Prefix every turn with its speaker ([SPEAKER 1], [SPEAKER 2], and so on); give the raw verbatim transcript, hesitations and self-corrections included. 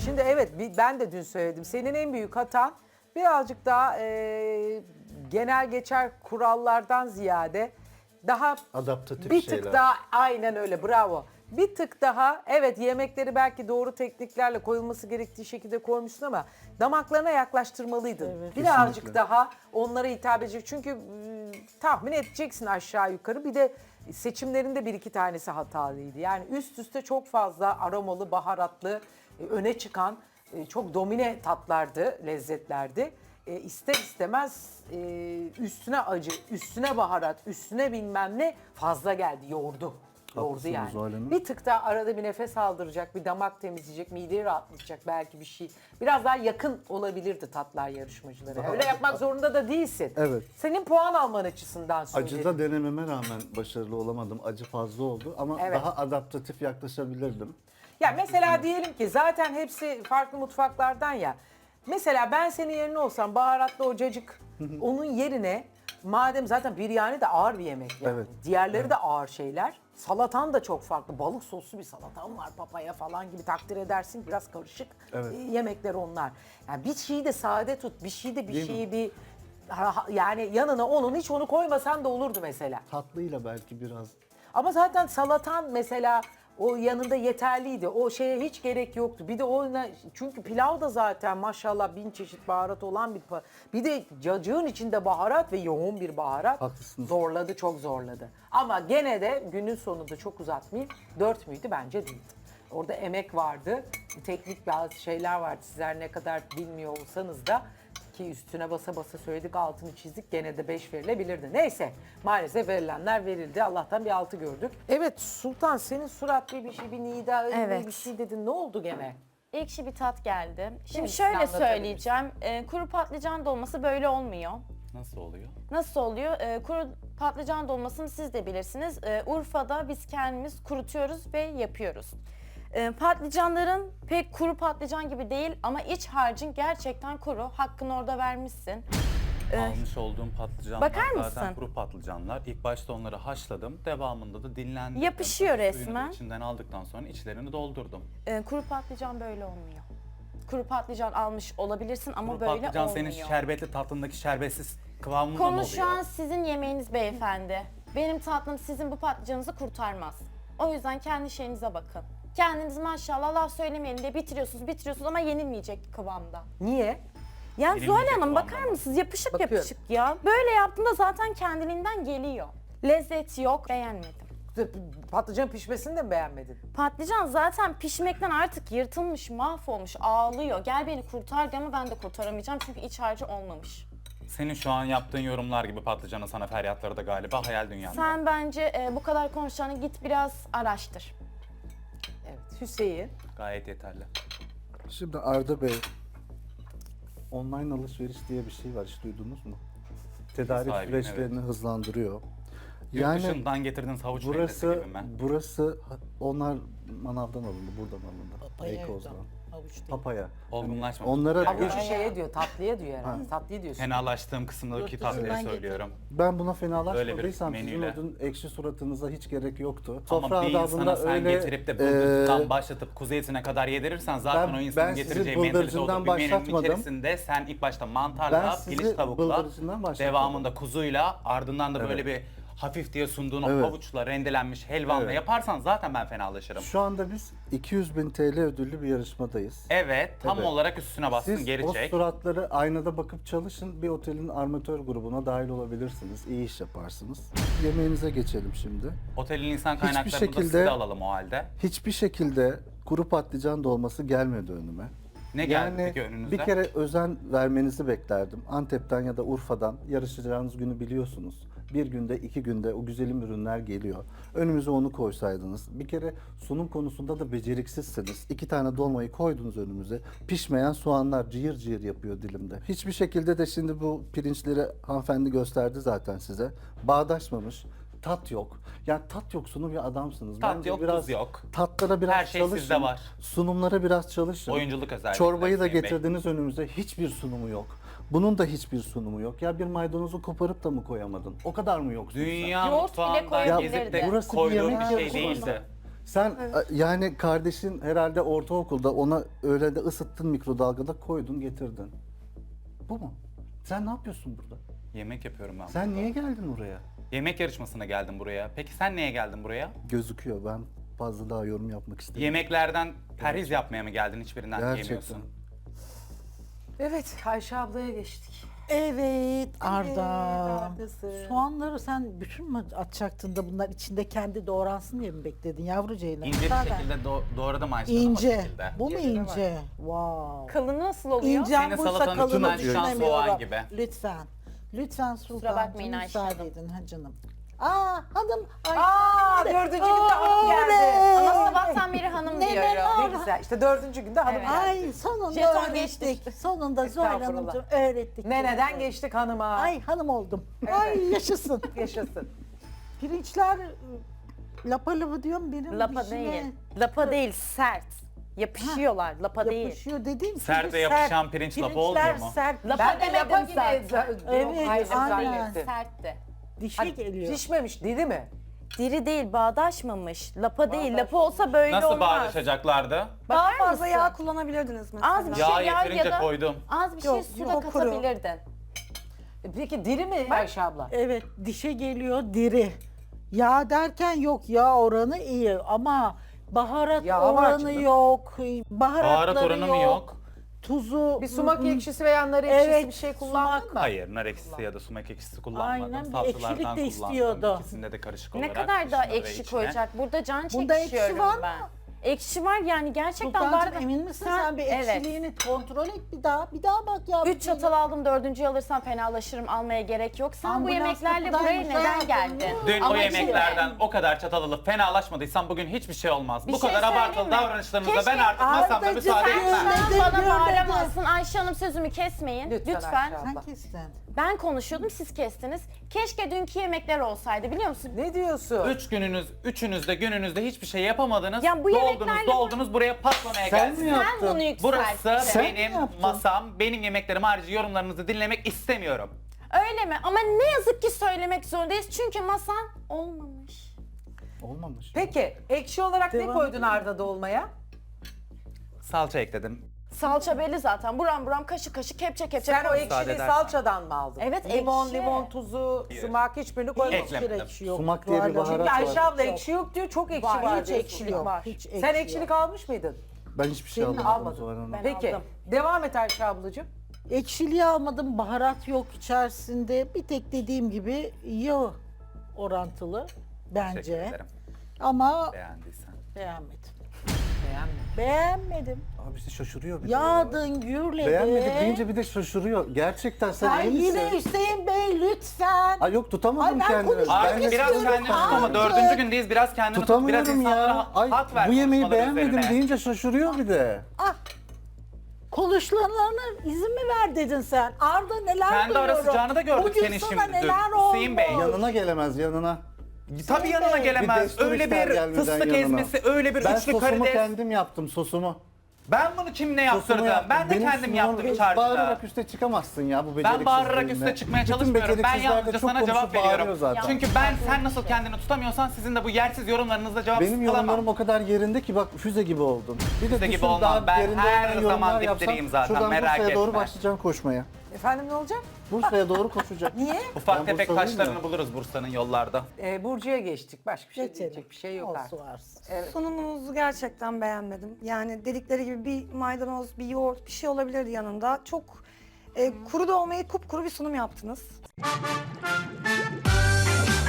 [SPEAKER 1] Şimdi evet bi- ben de dün söyledim. Senin en büyük hatan birazcık daha e, genel geçer kurallardan ziyade daha
[SPEAKER 2] Adaptatif
[SPEAKER 1] bir
[SPEAKER 2] şeyler.
[SPEAKER 1] tık daha aynen öyle bravo. Bir tık daha evet yemekleri belki doğru tekniklerle koyulması gerektiği şekilde koymuşsun ama damaklarına yaklaştırmalıydın. Birazcık
[SPEAKER 2] Kesinlikle.
[SPEAKER 1] daha onlara hitap edecek. Çünkü ıı, tahmin edeceksin aşağı yukarı. Bir de seçimlerinde bir iki tanesi hatalıydı. Yani üst üste çok fazla aromalı, baharatlı, e, öne çıkan e, çok domine tatlardı, lezzetlerdi. E, ister istemez e, üstüne acı, üstüne baharat, üstüne bilmem ne fazla geldi, yoğurdu. Yoğurdu
[SPEAKER 2] Haklısınız
[SPEAKER 1] yani.
[SPEAKER 2] Zuhal Hanım.
[SPEAKER 1] Bir tık daha arada bir nefes aldıracak, bir damak temizleyecek, mideyi rahatlatacak belki bir şey. Biraz daha yakın olabilirdi tatlar yarışmacılara. Öyle yapmak zorunda da değilsin.
[SPEAKER 2] Evet.
[SPEAKER 1] Senin puan alman açısından söyledim.
[SPEAKER 2] Acıda denememe rağmen başarılı olamadım. Acı fazla oldu ama
[SPEAKER 1] Evet.
[SPEAKER 2] daha adaptatif yaklaşabilirdim.
[SPEAKER 1] Ya mesela diyelim ki zaten hepsi farklı mutfaklardan ya. Mesela ben senin yerine olsam baharatlı o cacık onun yerine madem zaten biryani de ağır bir yemek yani.
[SPEAKER 2] Evet.
[SPEAKER 1] Diğerleri de ağır şeyler. Salatan da çok farklı. Balık soslu bir salatan var papaya falan gibi takdir edersin. Biraz karışık
[SPEAKER 2] Evet.
[SPEAKER 1] e, yemekler onlar. Yani bir şeyi de sade tut. Bir şeyi de bir
[SPEAKER 2] Değil
[SPEAKER 1] şeyi bir ha- ha- yani yanına onun hiç onu koymasan da olurdu mesela.
[SPEAKER 2] Tatlıyla belki biraz.
[SPEAKER 1] Ama zaten salatan mesela o yanında yeterliydi. O şeye hiç gerek yoktu. Bir de o çünkü pilav da zaten maşallah bin çeşit baharat olan bir pa- bir de cacığın içinde baharat ve yoğun bir baharat.
[SPEAKER 2] Haklısınız.
[SPEAKER 1] Zorladı, çok zorladı. Ama gene de günün sonunda çok uzatmayayım. Dört müydü? Bence değildi. Orada emek vardı. Teknik bazı şeyler vardı. Sizler ne kadar bilmiyor olsanız da ki üstüne basa basa söyledik, altını çizdik, gene de beş verilebilirdi. Neyse, maalesef verilenler verildi. Allah'tan bir altı gördük. Evet Sultan, senin surat bir bir şey, bir nida,
[SPEAKER 3] Evet.
[SPEAKER 1] bir şey dedin. Ne oldu gene?
[SPEAKER 3] Ekşi bir tat geldi. Şimdi
[SPEAKER 1] mi?
[SPEAKER 3] şöyle
[SPEAKER 1] Anlatabilirsin.
[SPEAKER 3] söyleyeceğim. e, kuru patlıcan dolması böyle olmuyor.
[SPEAKER 4] Nasıl oluyor?
[SPEAKER 3] Nasıl oluyor? E, kuru patlıcan dolmasını siz de bilirsiniz. E, Urfa'da biz kendimiz kurutuyoruz ve yapıyoruz. E, patlıcanların pek kuru patlıcan gibi değil ama iç harcın gerçekten kuru. Hakkını orada vermişsin. E,
[SPEAKER 4] Almış olduğum patlıcanlar
[SPEAKER 3] Bakar
[SPEAKER 4] zaten
[SPEAKER 3] mısın?
[SPEAKER 4] kuru patlıcanlar. İlk başta onları haşladım. Devamında da dinlendirdim.
[SPEAKER 3] Yapışıyor
[SPEAKER 4] Suyunu da
[SPEAKER 3] resmen.
[SPEAKER 4] içinden aldıktan sonra içlerini doldurdum.
[SPEAKER 3] e, kuru patlıcan böyle olmuyor. Kuru patlıcan almış olabilirsin ama
[SPEAKER 4] Kuru
[SPEAKER 3] böyle
[SPEAKER 4] patlıcan
[SPEAKER 3] olmuyor.
[SPEAKER 4] senin şerbetli tatlındaki şerbetsiz kıvamında mı oluyor?
[SPEAKER 3] Konuşan sizin yemeğiniz beyefendi. Benim tatlım sizin bu patlıcanınızı kurtarmaz. O yüzden kendi şeyinize bakın. Kendiniz maşallah laf söylemeyelim diye bitiriyorsunuz, bitiriyorsunuz ama yenilmeyecek kıvamda.
[SPEAKER 1] Niye?
[SPEAKER 3] Yani
[SPEAKER 4] Yenilmeyecek
[SPEAKER 3] Zuhal Hanım
[SPEAKER 4] kıvamda
[SPEAKER 3] bakar
[SPEAKER 4] mı?
[SPEAKER 3] mısınız? Yapışık
[SPEAKER 1] Bakıyorum.
[SPEAKER 3] yapışık ya. Böyle yaptığında zaten kendiliğinden geliyor. Lezzet yok, beğenmedim.
[SPEAKER 1] Patlıcan pişmesini de mi beğenmedin?
[SPEAKER 3] Patlıcan zaten pişmekten artık yırtılmış, mahvolmuş, ağlıyor. Gel beni kurtar diye ama ben de kurtaramayacağım çünkü iç harcı olmamış.
[SPEAKER 4] Senin şu an yaptığın yorumlar gibi patlıcanın sana feryatları da galiba hayal dünyanda.
[SPEAKER 3] Sen bence e, bu kadar konuşacağını git biraz araştır.
[SPEAKER 1] Evet. Hüseyin.
[SPEAKER 4] Gayet yeterli.
[SPEAKER 2] Şimdi Arda Bey, online alışveriş diye bir şey var, hiç duydunuz mu? Tedarik
[SPEAKER 4] sahibiyim,
[SPEAKER 2] süreçlerini hızlandırıyor.
[SPEAKER 4] Yurt
[SPEAKER 2] Yani
[SPEAKER 4] dışından getirdiğiniz havuç
[SPEAKER 2] burası,
[SPEAKER 4] meyvesi gibi mi?
[SPEAKER 2] burası, onlar manavdan alındı, buradan alındı. Beykoz'dan. Papaya.
[SPEAKER 4] Olgunlaşmamış.
[SPEAKER 2] Onlara
[SPEAKER 4] Yani
[SPEAKER 1] Havucu şeye diyor, tatlıya diyor herhalde. Tatlıyı diyorsun.
[SPEAKER 4] fenalaştığım kısımdaki tatlıyı söylüyorum.
[SPEAKER 2] Ben buna
[SPEAKER 4] Öyle
[SPEAKER 2] fenalaşmadıysam
[SPEAKER 4] bir
[SPEAKER 2] sizin
[SPEAKER 4] menüyle.
[SPEAKER 2] o dün ekşi suratınıza hiç gerek yoktu.
[SPEAKER 4] Ama bir insana sen
[SPEAKER 2] öyle,
[SPEAKER 4] getirip de
[SPEAKER 2] eee,
[SPEAKER 4] bıldırcından başlatıp kuzu etine kadar yedirirsen zaten
[SPEAKER 2] Ben-
[SPEAKER 4] o insanın
[SPEAKER 2] ben sizi
[SPEAKER 4] getireceği mentalite
[SPEAKER 2] bıldırcından
[SPEAKER 4] olur. Bir menünün
[SPEAKER 2] başlatmadım.
[SPEAKER 4] içerisinde sen ilk başta
[SPEAKER 2] Ben
[SPEAKER 4] mantarla,
[SPEAKER 2] sizi
[SPEAKER 4] piliç tavukla,
[SPEAKER 2] bıldırcından başlatmadım.
[SPEAKER 4] devamında kuzuyla, ardından da böyle
[SPEAKER 2] Evet.
[SPEAKER 4] bir hafif diye sunduğun o
[SPEAKER 2] Evet.
[SPEAKER 4] havuçla, rendelenmiş helvanla
[SPEAKER 2] Evet.
[SPEAKER 4] yaparsan zaten ben fenalaşırım.
[SPEAKER 2] Şu anda biz iki yüz bin T L ödüllü bir yarışmadayız.
[SPEAKER 4] Evet, tam
[SPEAKER 2] Evet.
[SPEAKER 4] olarak üstüne bassın,
[SPEAKER 2] Siz
[SPEAKER 4] geri
[SPEAKER 2] o
[SPEAKER 4] çek.
[SPEAKER 2] suratları aynada bakıp çalışın, bir otelin armatör grubuna dahil olabilirsiniz. İyi iş yaparsınız. Yemeğinize geçelim şimdi.
[SPEAKER 4] Otelin insan
[SPEAKER 2] Hiçbir
[SPEAKER 4] kaynaklarını da
[SPEAKER 2] şekilde-
[SPEAKER 4] siz de alalım o halde.
[SPEAKER 2] Hiçbir şekilde kuru patlıcan dolması gelmedi önüme.
[SPEAKER 4] Ne geldi
[SPEAKER 2] Yani
[SPEAKER 4] peki önünüze?
[SPEAKER 2] bir kere özen vermenizi beklerdim. Antep'ten ya da Urfa'dan yarışacağınız günü biliyorsunuz. Bir günde, iki günde o güzelim ürünler geliyor. Önümüze onu koysaydınız. Bir kere sunum konusunda da beceriksizsiniz. İki tane dolmayı koydunuz önümüze. Pişmeyen soğanlar cıyır cıyır yapıyor dilimde. Hiçbir şekilde de şimdi bu pirinçleri hanımefendi gösterdi zaten size. Bağdaşmamış. Tat yok. Yani tat yoksunu bir adamsınız.
[SPEAKER 4] Tat
[SPEAKER 2] Bence
[SPEAKER 4] yok,
[SPEAKER 2] biraz
[SPEAKER 4] tuz yok.
[SPEAKER 2] Tatlara biraz
[SPEAKER 4] Her şey
[SPEAKER 2] çalışın.
[SPEAKER 4] sizde var.
[SPEAKER 2] Sunumlara biraz çalışın.
[SPEAKER 4] Oyunculuk özellikleri
[SPEAKER 2] Çorbayı da
[SPEAKER 4] Hüseyin Bey.
[SPEAKER 2] getirdiniz önümüze. Hiçbir sunumu yok. Bunun da hiçbir sunumu yok. Ya bir maydanozu koparıp da mı koyamadın? O kadar mı yoksun sen?
[SPEAKER 4] Dünya
[SPEAKER 3] Yoğurt bile
[SPEAKER 4] mutfağından
[SPEAKER 3] koyabilirdi.
[SPEAKER 4] gezip de
[SPEAKER 2] Burası bir
[SPEAKER 4] koyduğum
[SPEAKER 2] yemek
[SPEAKER 4] bir şey
[SPEAKER 2] yarışması.
[SPEAKER 4] değildi.
[SPEAKER 2] Sen a- yani kardeşin herhalde ortaokulda ona öyle de ısıttın mikrodalgada koydun getirdin. Bu mu? Sen ne yapıyorsun burada?
[SPEAKER 4] Yemek yapıyorum ben.
[SPEAKER 2] Sen niye geldin oraya?
[SPEAKER 4] Yemek yarışmasına geldim buraya. Peki sen niye geldin buraya?
[SPEAKER 2] Gözüküyor, ben fazla daha yorum yapmak istemiyorum.
[SPEAKER 4] Yemeklerden perhiz yapmaya mı geldin? Hiçbirinden
[SPEAKER 2] Gerçekten.
[SPEAKER 4] yemiyorsun.
[SPEAKER 1] Evet, Ayşe ablaya geçtik.
[SPEAKER 5] Evet Arda.
[SPEAKER 1] Arda'sı.
[SPEAKER 5] Soğanları sen bütün mü atacaktın da bunlar içinde kendi doğransın diye mi bekledin yavrucağıyla?
[SPEAKER 4] İnce bir
[SPEAKER 5] Zaten
[SPEAKER 4] şekilde do- doğradım Ayşe Hanım, o
[SPEAKER 5] İnce.
[SPEAKER 4] şekilde.
[SPEAKER 5] Bu mu
[SPEAKER 1] Cebine bak.
[SPEAKER 5] ince? Wow.
[SPEAKER 3] Kalını nasıl oluyor?
[SPEAKER 5] İncem
[SPEAKER 4] Senin
[SPEAKER 5] buysa
[SPEAKER 4] salatanın
[SPEAKER 5] kalını
[SPEAKER 4] içinden çıkan soğan
[SPEAKER 5] düşünemiyorum.
[SPEAKER 4] gibi.
[SPEAKER 5] Lütfen. Lütfen Sultancığım
[SPEAKER 3] bakmayın Ayşe
[SPEAKER 5] müsaade
[SPEAKER 3] Hanım.
[SPEAKER 5] edin ha canım. Aa hanım. Ay,
[SPEAKER 1] Aa,
[SPEAKER 5] sen de-
[SPEAKER 1] dördüncü günde hanım geldi.
[SPEAKER 5] oley!
[SPEAKER 3] Ama sabahtan beri hanım
[SPEAKER 5] Ne
[SPEAKER 3] diyorum.
[SPEAKER 5] neler?
[SPEAKER 1] Ne güzel. İşte dördüncü günde hanım
[SPEAKER 3] Evet.
[SPEAKER 1] geldi.
[SPEAKER 5] Ay sonunda
[SPEAKER 3] Jeton
[SPEAKER 5] öğrettik.
[SPEAKER 3] geçtik.
[SPEAKER 5] Sonunda Zuhal
[SPEAKER 1] Estağfurullah.
[SPEAKER 5] Hanımcığım öğrettik.
[SPEAKER 1] Neneden geçtik hanıma.
[SPEAKER 5] Ay hanım oldum. Ay yaşasın.
[SPEAKER 1] Yaşasın.
[SPEAKER 5] Pirinçler lapa lapa diyorum benim
[SPEAKER 3] Lapa
[SPEAKER 5] dişime
[SPEAKER 3] değil. Lapa değil, sert. Yapışıyorlar, lapa değil.
[SPEAKER 5] yapışıyor dediğim
[SPEAKER 4] Sert
[SPEAKER 5] gibi
[SPEAKER 4] ve yapışan pirinç lapa olmuyor
[SPEAKER 5] Pirinçler
[SPEAKER 4] mu?
[SPEAKER 5] sert.
[SPEAKER 3] Lapa
[SPEAKER 1] Ben de
[SPEAKER 3] demedim
[SPEAKER 1] lapa gibi
[SPEAKER 3] zaten.
[SPEAKER 1] za-
[SPEAKER 5] Evet,
[SPEAKER 1] hayır,
[SPEAKER 5] aynen.
[SPEAKER 1] zannettim.
[SPEAKER 3] Sertti.
[SPEAKER 5] Dişe
[SPEAKER 1] Hani
[SPEAKER 5] geliyor.
[SPEAKER 1] pişmemiş, diri mi?
[SPEAKER 3] Diri değil, bağdaşmamış. Lapa değil.
[SPEAKER 1] Bağdaşmamış.
[SPEAKER 3] Lapa olsa böyle
[SPEAKER 4] Nasıl
[SPEAKER 3] olmaz.
[SPEAKER 4] bağdaşacaklardı?
[SPEAKER 6] Daha
[SPEAKER 3] Bakar
[SPEAKER 6] fazla
[SPEAKER 3] mısın?
[SPEAKER 6] yağ kullanabilirdiniz mesela.
[SPEAKER 3] Az bir şey
[SPEAKER 4] Yağ
[SPEAKER 3] yağ
[SPEAKER 4] yeterince
[SPEAKER 3] ya da
[SPEAKER 4] koydum.
[SPEAKER 3] az bir şey
[SPEAKER 5] Yok,
[SPEAKER 3] su da
[SPEAKER 6] yok, kuru.
[SPEAKER 3] katabilirdin.
[SPEAKER 1] E Peki diri mi Ayşe abla?
[SPEAKER 5] Evet dişe geliyor diri. Yağ derken yok yağ oranı iyi ama baharat
[SPEAKER 1] Yağ var
[SPEAKER 5] oranı
[SPEAKER 1] canım.
[SPEAKER 5] yok. Baharatları
[SPEAKER 4] Baharat oranı mı yok?
[SPEAKER 5] Tuzu.
[SPEAKER 1] Bir sumak
[SPEAKER 5] ı, ı,
[SPEAKER 1] ekşisi veya nar ekşisi
[SPEAKER 5] Evet,
[SPEAKER 1] bir şey kullandın
[SPEAKER 5] sumak.
[SPEAKER 1] mı?
[SPEAKER 4] Hayır, nar ekşisi ya da sumak ekşisi kullanmadım.
[SPEAKER 5] Aynen, bir
[SPEAKER 4] Salçalardan
[SPEAKER 5] ekşilik de
[SPEAKER 4] kullandım.
[SPEAKER 5] istiyordu.
[SPEAKER 4] İkisinde de karışık
[SPEAKER 3] Ne
[SPEAKER 4] olarak.
[SPEAKER 3] kadar daha
[SPEAKER 4] dışına ve
[SPEAKER 3] ekşi
[SPEAKER 4] içine.
[SPEAKER 3] koyacak? Burada can
[SPEAKER 5] Bunda ekşi
[SPEAKER 3] çekişiyorum
[SPEAKER 5] var mı?
[SPEAKER 3] ben. Ekşi var yani gerçekten
[SPEAKER 5] Sultancığım
[SPEAKER 3] bardak-
[SPEAKER 5] emin misin sen, bir
[SPEAKER 3] Evet.
[SPEAKER 5] ekşiliğini kontrol et bir daha. Bir daha bak ya.
[SPEAKER 3] Üç çatal aldım, dördüncüyü alırsam fenalaşırım, almaya gerek yok. Sen bu
[SPEAKER 5] Ambulans
[SPEAKER 3] yemeklerle
[SPEAKER 5] kapıdaymış
[SPEAKER 3] buraya neden
[SPEAKER 5] hayatım.
[SPEAKER 3] geldin?
[SPEAKER 4] Dün o
[SPEAKER 3] Ama
[SPEAKER 4] yemeklerden o kadar çatal alıp fenalaşmadıysan bugün hiçbir şey olmaz.
[SPEAKER 3] Bir
[SPEAKER 4] Bu
[SPEAKER 3] şey
[SPEAKER 4] kadar
[SPEAKER 3] söyleyeyim
[SPEAKER 4] abartılı
[SPEAKER 3] mi?
[SPEAKER 4] davranışlarınızda
[SPEAKER 3] Keşke
[SPEAKER 4] ben artık masamda
[SPEAKER 5] Ardacığım
[SPEAKER 4] müsaade
[SPEAKER 5] sen-
[SPEAKER 4] etmem.
[SPEAKER 5] Ben de
[SPEAKER 3] Sen bana
[SPEAKER 5] görmedim.
[SPEAKER 3] bağıramazsın. Ayşe Hanım sözümü kesmeyin.
[SPEAKER 1] Lütfen
[SPEAKER 3] Lütfen.
[SPEAKER 1] Ayşe abla.
[SPEAKER 5] Sen kestin.
[SPEAKER 3] Ben konuşuyordum, siz kestiniz. Keşke dünkü yemekler olsaydı, biliyor musun?
[SPEAKER 1] Ne diyorsun?
[SPEAKER 4] Üç gününüz, üçünüz de gününüzde hiçbir şey yapamadınız.
[SPEAKER 3] Ya bu
[SPEAKER 4] doldunuz,
[SPEAKER 3] yemeklerle-
[SPEAKER 4] doldunuz buraya patlamaya
[SPEAKER 2] Sen
[SPEAKER 4] geldiniz.
[SPEAKER 2] mi
[SPEAKER 3] Sen
[SPEAKER 2] yaptın?
[SPEAKER 3] bunu yükselttin.
[SPEAKER 4] Burası
[SPEAKER 5] Sen mi
[SPEAKER 4] benim
[SPEAKER 5] yaptın?
[SPEAKER 4] masam, benim yemeklerim harici yorumlarınızı dinlemek istemiyorum.
[SPEAKER 3] Öyle mi? Ama ne yazık ki söylemek zorundayız çünkü masan olmamış.
[SPEAKER 2] Olmamış.
[SPEAKER 1] Peki ekşi olarak ne
[SPEAKER 5] Devam
[SPEAKER 1] koydun
[SPEAKER 5] edelim.
[SPEAKER 1] Arda dolmaya?
[SPEAKER 4] Salça ekledim.
[SPEAKER 3] Salça belli zaten. Buram buram kaşık kaşık kepçe kepçe.
[SPEAKER 1] Sen o
[SPEAKER 3] koy.
[SPEAKER 1] ekşiliği
[SPEAKER 4] edersen.
[SPEAKER 1] salçadan mı aldın?
[SPEAKER 3] Evet,
[SPEAKER 1] Limon,
[SPEAKER 3] ekşi.
[SPEAKER 1] limon tuzu,
[SPEAKER 4] Hayır.
[SPEAKER 1] sumak hiçbirini koymadın.
[SPEAKER 4] Eklemedim.
[SPEAKER 5] Hiçbir ekşi yok.
[SPEAKER 2] Sumak diye bir
[SPEAKER 5] Zuhal Hanım.
[SPEAKER 2] baharat
[SPEAKER 1] Çünkü Ayşe
[SPEAKER 2] var.
[SPEAKER 1] abla ekşi yok diyor, çok ekşi
[SPEAKER 3] Var,
[SPEAKER 1] var.
[SPEAKER 5] Hiç
[SPEAKER 1] diyor.
[SPEAKER 5] ekşi yok.
[SPEAKER 3] Var.
[SPEAKER 5] Hiç
[SPEAKER 1] Sen ekşilik almış mıydın?
[SPEAKER 2] Ben hiçbir şey
[SPEAKER 1] Senin
[SPEAKER 2] almadım
[SPEAKER 1] almadın.
[SPEAKER 2] Zuhal Hanım.
[SPEAKER 3] Ben
[SPEAKER 1] Peki
[SPEAKER 3] aldım.
[SPEAKER 1] devam et Ayşe ablacığım.
[SPEAKER 5] Ekşiliği almadım, baharat yok içerisinde. Bir tek dediğim gibi yağ orantılı
[SPEAKER 4] Teşekkür
[SPEAKER 5] bence.
[SPEAKER 4] ederim.
[SPEAKER 5] Ama
[SPEAKER 4] Beğendiysen.
[SPEAKER 5] beğenmedim.
[SPEAKER 1] Beğenmedim.
[SPEAKER 5] Beğenmedim.
[SPEAKER 2] Abi işte şaşırıyor bir de ya.
[SPEAKER 5] Yağdın, gürledin.
[SPEAKER 2] Beğenmedik deyince bir de şaşırıyor. Gerçekten sen
[SPEAKER 5] Ay
[SPEAKER 2] iyi misin?
[SPEAKER 5] yine Hüseyin Bey lütfen.
[SPEAKER 2] Ay yok tutamadım
[SPEAKER 5] Ay ben
[SPEAKER 2] kendimi.
[SPEAKER 5] konuşmak
[SPEAKER 2] Ben
[SPEAKER 4] Artık
[SPEAKER 2] de
[SPEAKER 4] biraz
[SPEAKER 5] istiyorum.
[SPEAKER 4] kendini tut ama
[SPEAKER 5] Artık.
[SPEAKER 4] dördüncü gündeyiz. Biraz kendini tut. Biraz
[SPEAKER 2] tutamıyorum
[SPEAKER 4] insanlara
[SPEAKER 2] ya. Ay
[SPEAKER 4] hak ver
[SPEAKER 2] bu yemeği
[SPEAKER 4] konuşmaları
[SPEAKER 2] beğenmedim
[SPEAKER 4] üzerine.
[SPEAKER 2] deyince şaşırıyor bir de.
[SPEAKER 5] Ah. Konuşmalarına izin mi ver dedin sen? Arda neler
[SPEAKER 4] Kendi ara
[SPEAKER 5] duyuyorum.
[SPEAKER 4] sıcağını da gördük
[SPEAKER 5] Bugün
[SPEAKER 4] senin
[SPEAKER 5] sana
[SPEAKER 4] şimdi. Dün
[SPEAKER 5] neler oldu?
[SPEAKER 4] Hüseyin Bey.
[SPEAKER 2] Yanına gelemez yanına.
[SPEAKER 4] Tabii yanına
[SPEAKER 5] Bey.
[SPEAKER 2] Bir
[SPEAKER 4] gelemez.
[SPEAKER 2] destur
[SPEAKER 4] Öyle
[SPEAKER 2] ister
[SPEAKER 4] bir
[SPEAKER 2] gelmeden
[SPEAKER 4] fıstık
[SPEAKER 2] yanına.
[SPEAKER 4] ezmesi, öyle bir
[SPEAKER 2] Ben
[SPEAKER 4] üçlü
[SPEAKER 2] sosumu
[SPEAKER 4] karides.
[SPEAKER 2] kendim yaptım sosumu.
[SPEAKER 4] Ben bunu kimle
[SPEAKER 2] Sosumu
[SPEAKER 4] yaptırdım?
[SPEAKER 2] yaptım.
[SPEAKER 4] Ben de
[SPEAKER 2] Benim
[SPEAKER 4] kendim
[SPEAKER 2] sunumum-
[SPEAKER 4] yaptım çarşıda.
[SPEAKER 2] Bağırarak üste çıkamazsın ya bu beceriksizliğinle.
[SPEAKER 4] Ben bağırarak üste çıkmaya
[SPEAKER 2] Bütün
[SPEAKER 4] çalışmıyorum. Ben
[SPEAKER 2] beceriksizler de
[SPEAKER 4] yalnızca
[SPEAKER 2] çok
[SPEAKER 4] sana
[SPEAKER 2] konuşup
[SPEAKER 4] cevap veriyorum.
[SPEAKER 2] bağırıyor zaten.
[SPEAKER 4] Çünkü ben sen nasıl kendini tutamıyorsan sizin de bu yersiz yorumlarınızla cevap
[SPEAKER 2] Benim
[SPEAKER 4] alamam.
[SPEAKER 2] yorumlarım o kadar yerinde ki bak füze gibi oldun. Bir de
[SPEAKER 4] Füze gibi
[SPEAKER 2] düşün
[SPEAKER 4] olmam.
[SPEAKER 2] daha
[SPEAKER 4] Ben
[SPEAKER 2] yerinde
[SPEAKER 4] her
[SPEAKER 2] olmayan
[SPEAKER 4] zaman
[SPEAKER 2] yorumlar
[SPEAKER 4] dipdireyim
[SPEAKER 2] yapsam,
[SPEAKER 4] zaten,
[SPEAKER 2] şuradan
[SPEAKER 4] merak
[SPEAKER 2] Bursa'ya doğru
[SPEAKER 4] etme.
[SPEAKER 2] başlayacağım koşmaya.
[SPEAKER 1] Efendim ne olacak?
[SPEAKER 2] Bursa'ya doğru koşacak.
[SPEAKER 1] Niye?
[SPEAKER 4] Ufak
[SPEAKER 2] Ben
[SPEAKER 4] tefek
[SPEAKER 2] Bursalıyım
[SPEAKER 4] taşlarını
[SPEAKER 2] ya.
[SPEAKER 4] buluruz Bursa'nın yollarda.
[SPEAKER 1] Ee, Burcu'ya geçtik. Başka bir şey
[SPEAKER 5] Geçelim.
[SPEAKER 1] diyecek bir şey yok
[SPEAKER 5] Olsun
[SPEAKER 1] artık.
[SPEAKER 5] varsın.
[SPEAKER 1] Evet.
[SPEAKER 6] Sunumunuzu gerçekten beğenmedim. Yani dedikleri gibi bir maydanoz, bir yoğurt, bir şey olabilirdi yanında. Çok e, kuru da olmayı kupkuru bir sunum yaptınız.